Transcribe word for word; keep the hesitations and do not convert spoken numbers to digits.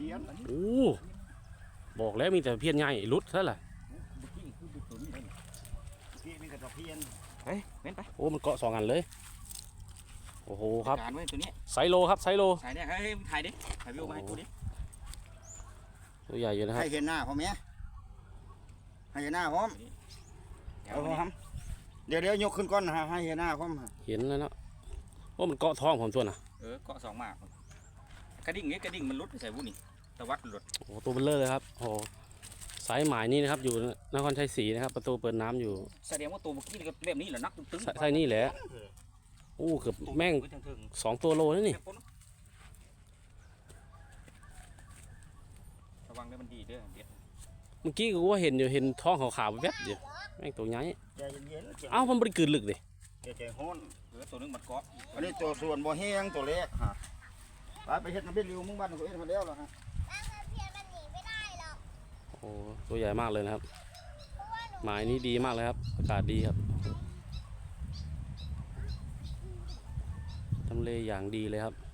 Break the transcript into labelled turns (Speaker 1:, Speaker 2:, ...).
Speaker 1: พี้ยน
Speaker 2: โอ้บอกแล้วมีแต่เพี้ยนใหญ่รุดซะแหละ
Speaker 1: เมื่อกี้คือบุตรนี่เลยเมื่อกี้มีแต่ตะเพียน
Speaker 3: เฮ้ยเว้นไป
Speaker 2: โอ้มันเกาะสองอันเลยโอ้โหครับ
Speaker 3: การไว้ตัวนี้
Speaker 2: ไซโลครับไซโล
Speaker 3: ถ่ายเนี่ยเฮ้ยถ่ายดิถ่ายวิวมาให้กูดิ
Speaker 2: ตัวใหญ่อยู่นะครับ
Speaker 1: ให้เห็นหน้าพ่อแม่ให้เห็นหน้าพร้อม
Speaker 3: เดี๋ยว
Speaker 1: เอา
Speaker 3: นี้
Speaker 1: ครับเดี๋ยวเดี๋ยวยกขึ้นก้อนนะฮะให้เห็นหน้าพร้อม
Speaker 2: เห็นแล้วเนาะโอ้มันเกาะท้องผมตัวน่ะ
Speaker 3: เออเกาะสองหมากกระดิ่งนี้กระดิ่งมันรุดใส่วุ้นี่ตะวัดหลุด
Speaker 2: โอ้ตัวเบลเลอร์เลยครับโอ้สายหมายนี่นะครับอยู่นครชัยศรีนะครับประตูเปิดน้ำอยู่
Speaker 3: แสดงว่าตัวเมื่อกี้นี่ก็แบบนี้แหละนักตึ้ง
Speaker 2: ใช่นี่แหละโอ้เกือบแม่งสองตัวโลนั่นนี่
Speaker 3: ระวังด้วยมันดีเด้อเด็ด
Speaker 2: เมื่อกี้กูว่าเห็นอยู่เห็นท้องขาวๆแวบอยู่แม่งตัวใหญ่
Speaker 1: ใจเย็นๆ
Speaker 2: เอ้ามันบริกืนลึกดิ
Speaker 1: ใจใจฮ้อน
Speaker 3: เออตัวนึงมันเกาะ
Speaker 1: อันนี้ตัวส่วนบ่แห้งตัวเล็กฮะไปไปเฮ็ดน้ำเบ็ดริวมึงบ้านกูเอ็ดมาแล้วล่ะฮะ
Speaker 4: ร่างเพียนมันหนีไม่ได้หรอก
Speaker 2: โอ้ตัวใหญ่มากเลยนะครับ
Speaker 4: เพราะว่าหนู
Speaker 2: หมายนี้ดีมากเลยครับอากาศดีครับทำเลอย่างดีเลยครับ